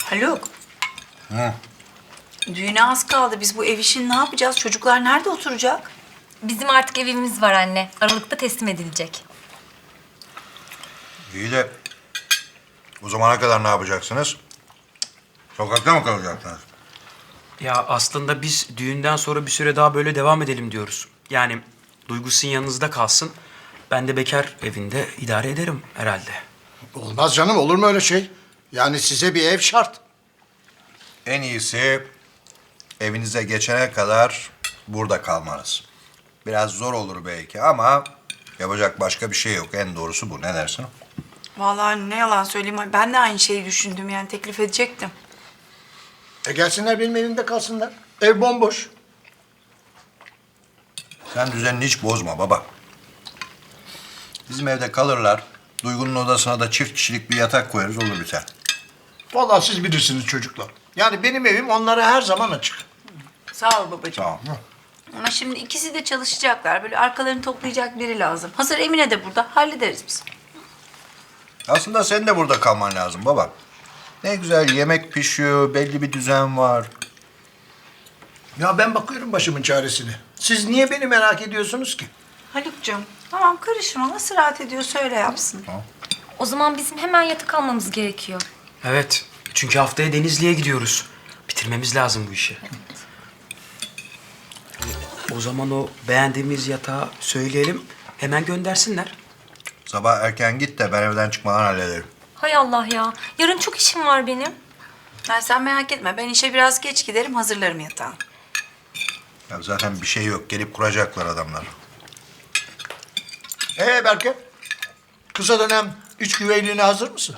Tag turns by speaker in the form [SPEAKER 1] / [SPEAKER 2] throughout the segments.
[SPEAKER 1] Haluk,
[SPEAKER 2] Hı.
[SPEAKER 1] düğüne az kaldı. Biz bu ev işini ne yapacağız? Çocuklar nerede oturacak?
[SPEAKER 3] Bizim artık evimiz var anne. Aralıkta teslim edilecek.
[SPEAKER 2] İyi de o zamana kadar ne yapacaksınız? Sokakta mı kalacaksınız?
[SPEAKER 4] Ya aslında biz düğünden sonra bir süre daha böyle devam edelim diyoruz. Yani Duygu sizin yanınızda kalsın. Ben de bekar evinde idare ederim herhalde.
[SPEAKER 5] Olmaz canım, olur mu öyle şey? Yani size bir ev şart.
[SPEAKER 2] En iyisi evinize geçene kadar burada kalmanız. Biraz zor olur belki ama yapacak başka bir şey yok. En doğrusu bu. Ne dersin?
[SPEAKER 1] Vallahi ne yalan söyleyeyim. Ben de aynı şeyi düşündüm. Yani teklif edecektim.
[SPEAKER 5] Gelsinler benim evimde kalsınlar. Ev bomboş.
[SPEAKER 2] Sen düzenini hiç bozma baba. Bizim evde kalırlar. Duygu'nun odasına da çift kişilik bir yatak koyarız, olur biter.
[SPEAKER 5] Vallahi siz bilirsiniz çocuklar. Yani benim evim onlara her zaman açık.
[SPEAKER 1] Sağ ol babacığım.
[SPEAKER 2] Tamam.
[SPEAKER 1] Ama şimdi ikisi de çalışacaklar. Böyle arkalarını toplayacak biri lazım. Hazır Emine de burada. Hallederiz biz.
[SPEAKER 2] Aslında senin de burada kalman lazım baba. Ne güzel yemek pişiyor, belli bir düzen var.
[SPEAKER 5] Ya ben bakıyorum başımın çaresine. Siz niye beni merak ediyorsunuz ki?
[SPEAKER 1] Haluk'cum tamam karışma. Nasıl rahat ediyor söyle yapsın.
[SPEAKER 3] O zaman bizim hemen yatık almamız gerekiyor.
[SPEAKER 4] Evet. Çünkü haftaya Denizli'ye gidiyoruz. Bitirmemiz lazım bu işi. O zaman o beğendiğimiz yatağı söyleyelim. Hemen göndersinler.
[SPEAKER 2] Sabah erken git de ben evden çıkmadan hallederim.
[SPEAKER 3] Hay Allah ya. Yarın çok işim var benim.
[SPEAKER 1] Yani sen merak etme. Ben işe biraz geç giderim. Hazırlarım yatağı.
[SPEAKER 2] Ya zaten bir şey yok. Gelip kuracaklar adamlar.
[SPEAKER 5] Berke, kısa dönem üç güveyliğine hazır mısın?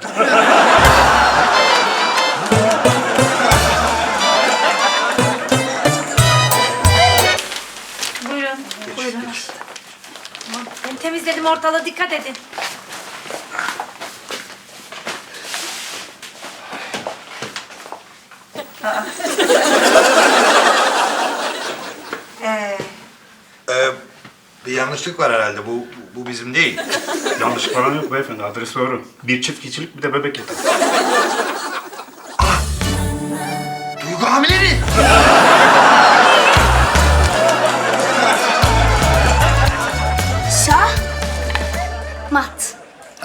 [SPEAKER 1] Buyurun. Buyurun.
[SPEAKER 3] Ben temizledim ortalığı, dikkat edin.
[SPEAKER 2] Bir yanlışlık var herhalde. Bu bizim değil.
[SPEAKER 6] Yanlışlık falan yok beyefendi. Adres doğru. Bir çift kişilik bir de bebek yatağı.
[SPEAKER 5] Duygu hamile mi?
[SPEAKER 7] Mat.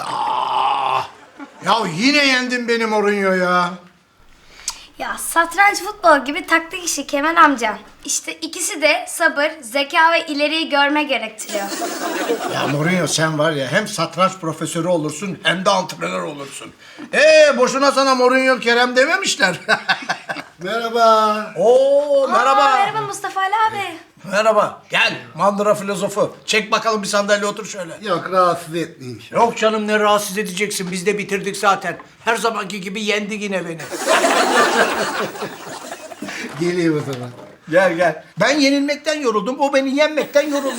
[SPEAKER 5] Ya yine yendin benim Mourinho ya.
[SPEAKER 7] Ya satranç futbol gibi taktik işi Kemal amcam. İşte ikisi de sabır, zeka ve ileriyi görme gerektiriyor.
[SPEAKER 5] Ya Mourinho sen var ya hem satranç profesörü olursun hem de antrenör olursun. Boşuna sana Mourinho Kerem dememişler. Merhaba. Oo merhaba.
[SPEAKER 7] Merhaba Mustafa Ali abi.
[SPEAKER 5] Merhaba. Gel mandıra filozofu. Çek bakalım bir sandalye otur şöyle.
[SPEAKER 8] Yok rahatsız etmeyeyim.
[SPEAKER 5] Yok canım ne rahatsız edeceksin. Biz de bitirdik zaten. Her zamanki gibi yendi yine beni.
[SPEAKER 8] Geleyim o zaman.
[SPEAKER 5] Gel gel. Ben yenilmekten yoruldum. O beni yenmekten yoruldu.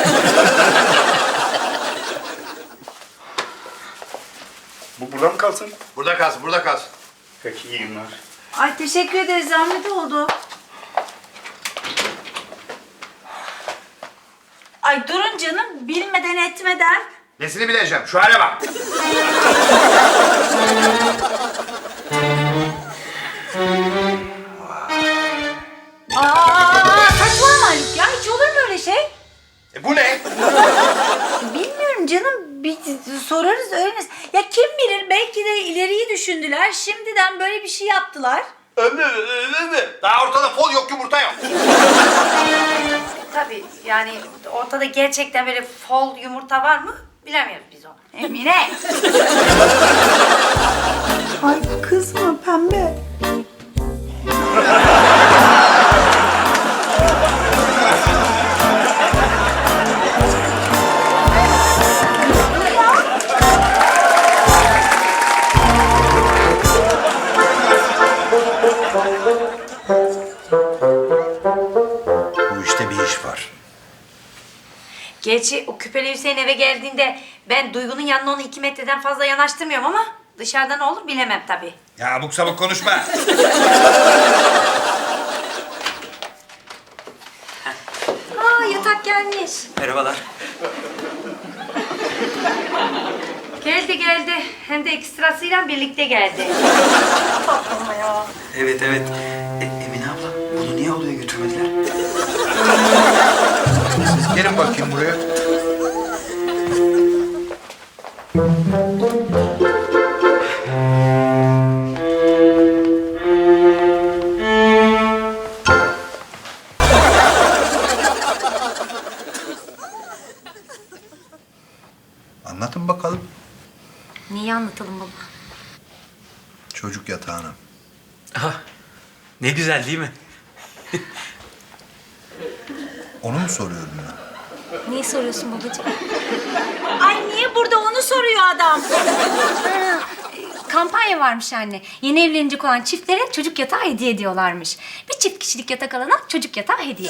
[SPEAKER 6] Bu burada mı kalsın?
[SPEAKER 2] Burada kalsın, burada kalsın.
[SPEAKER 6] Peki iyi günler.
[SPEAKER 1] Ay teşekkür ederiz. Zahmet oldu. Ay durun canım. Bilmeden etmeden.
[SPEAKER 2] Nesini bileceğim? Şu hale bak.
[SPEAKER 1] Saçmalama Haluk ya. Hiç olur mu öyle şey?
[SPEAKER 2] Bu ne?
[SPEAKER 1] Bilmiyorum canım. Bir sorarız öğreniriz. Ya kim bilir belki de ileriyi düşündüler. Şimdiden böyle bir şey yaptılar.
[SPEAKER 2] Daha ortada fol yok, yumurta yok.
[SPEAKER 9] Tabii yani ortada gerçekten böyle fol yumurta var mı bilemiyoruz biz onu.
[SPEAKER 1] Emine. Ay kızma pembe.
[SPEAKER 2] Bu işte bir iş var.
[SPEAKER 9] Gerçi o küpeli Hüseyin eve geldiğinde ben Duygu'nun yanına onu 2 metreden fazla yanaştırmıyorum ama dışarıda ne olur bilemem tabii.
[SPEAKER 2] Ya abuk sabuk konuşma.
[SPEAKER 3] Yatak gelmiş.
[SPEAKER 4] Merhabalar.
[SPEAKER 9] Geldi geldi. Hem de ekstrasıyla birlikte geldi.
[SPEAKER 4] Evet evet. Emine abla bunu niye odaya götürmediler?
[SPEAKER 2] Siz gelin bakayım buraya. Anlatın bakalım
[SPEAKER 3] Neyi anlatalım baba?
[SPEAKER 2] çocuk yatağını.
[SPEAKER 4] Aha, ne güzel değil mi?
[SPEAKER 2] Onu mu soruyorum ya?
[SPEAKER 3] Neyi soruyorsun babacığım?
[SPEAKER 1] Ay niye burada onu soruyor adam?
[SPEAKER 3] Kampanya varmış anne. Yeni evlenecek olan çiftlere çocuk yatağı hediye ediyorlarmış. Bir çift kişilik yatak alana çocuk yatağı hediye.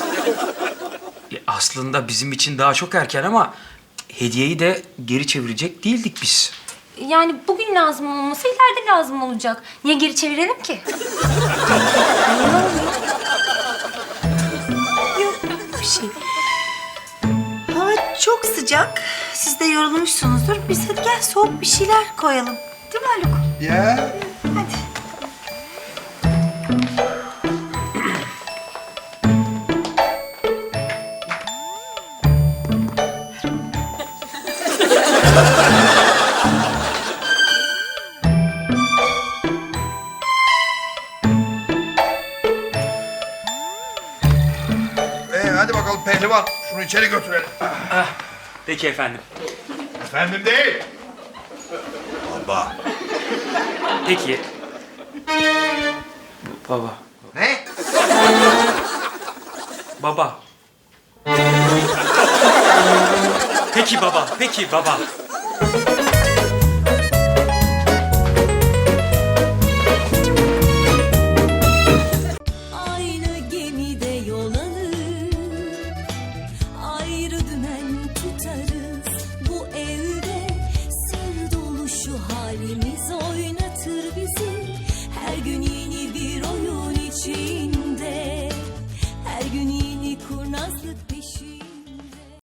[SPEAKER 4] Aslında bizim için daha çok erken ama hediyeyi de geri çevirecek değildik biz.
[SPEAKER 3] Yani bugün lazım olmasa ileride lazım olacak. Niye geri çevirelim ki?
[SPEAKER 1] Bir şey. Hava çok sıcak. Siz de yorulmuşsunuzdur. Biz hadi gel soğuk bir şeyler koyalım. Değil mi Haluk?
[SPEAKER 2] Ya.
[SPEAKER 1] Hadi.
[SPEAKER 2] Hadi bakalım pehlivan. Şunu içeri götürelim.
[SPEAKER 4] Peki efendim.
[SPEAKER 2] Efendim değil. Baba.
[SPEAKER 4] Peki. Baba.
[SPEAKER 2] Ne?
[SPEAKER 4] Baba. Peki baba, peki baba.